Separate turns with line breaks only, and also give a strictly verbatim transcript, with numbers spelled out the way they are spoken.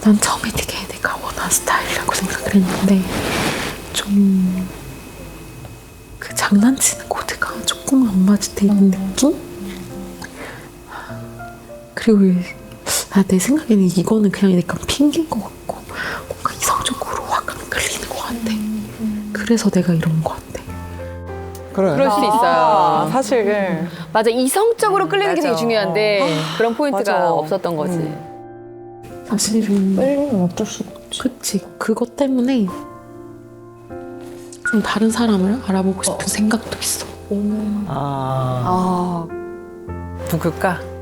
난 처음에 되게 내가 원하는 스타일이라고 생각을 했는데 좀 그 장난치는 코드가 조금 안 맞는 느낌? 그리고 아, 내 생각에는 이거는 그냥 약간 핑계인 것 같고 뭔가 이성적으로 확 안 끌리는 것 같아. 그래서 내가 이런 것 같아.
그래.
그럴 수 있어요.
아, 사실.
맞아, 이성적으로 끌리는 게
맞아.
되게 중요한데 그런 포인트가
맞아.
없었던 거지.
사실은
끌리면 어쩔 수가 없지.
그치, 그것 때문에 좀 다른 사람을 알아보고 싶은 생각도 있어.
아.
아, 누굴까?